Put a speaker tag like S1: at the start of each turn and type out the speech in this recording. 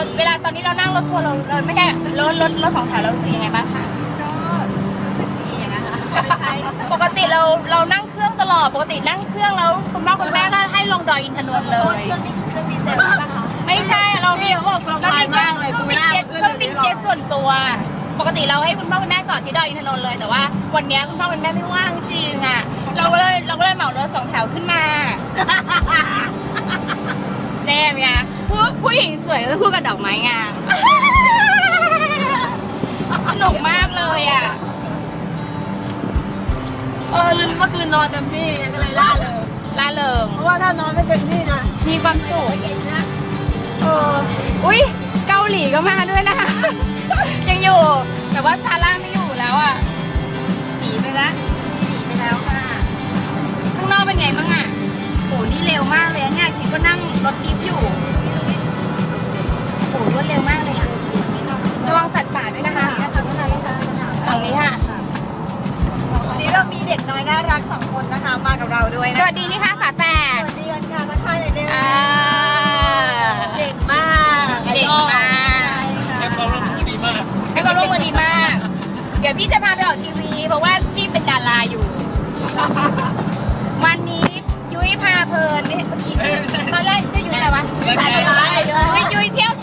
S1: เวลาตอนนี้เรานั่งรถทัวร์เราไม่ใช่รถสองแถวเรารู้สึกยังไงบ้างคะ
S2: ก็รู้สึกดีนะคะไม่ใช่
S1: ปกติเรานั่งเครื่องตลอดปกตินั่งเครื่องแล้วคุณพ่อคุณแม่ก็ให้ลงดอยอินทนนท์เลย
S2: เครื่องนี่คือเครื่องดีเซลใช่ไหมคะ
S1: ไม่ใช่เรามีเครื่องบินเจ็ตส่วนตัวปกติเราให้คุณพ่อคุณแม่จอดที่ดอยอินทนนท์เลยแต่ว่าวันนี้คุณพ่อคุณแม่ไม่ว่างจริงอ่ะเราก็เลยเหมารถสองแถวขึ้นมาแน่ไหมคะผู้หญิงสวยก็พูดกับดอกไม้งามสนุกมากเลยอ่ะ
S2: เมื่อคืนนอนเต็มที่ก็เลยล่าเริงเพราะว่าถ้านอนไม่เต็มที่นะ
S1: มีความสุขอุ้ยเกาหลีก็มาด้วยนะคะยังอยู่แต่ว่าซาร่าไม่อยู่แล้วอ่ะหนีไปแล้ว
S2: ค่ะ
S1: ข้างนอกเป็นไงบ้างอ่ะโหนี่เร็วมากเลยเนี่ยคิดก็นั่งรถดิฟอยู่โหรวดเร็วมากเลยอ่ะระวังสัตว์ป่าด้วยนะคะฝั่งนี้ค่ะ
S2: วันนี้เรามีเด็กน้อยน่ารัก2 คนนะคะมากับเราด้วยนะ
S1: สวัสดีนี่ค่ะฝาแฝด
S2: สวัสดีค่ะทักทายเลยด้วยเก่งมาก
S1: ให้ความร่วมมือดีมากเดี๋ยวพี่จะพาไปออกทีวีเพราะว่าพี่เป็นดาราอยู่วันนี้ยุ้ยพาเพลินเมื่อกี้ตอนแรกชื่อยุ้ยอะไรวะยุ้ยเที่ยว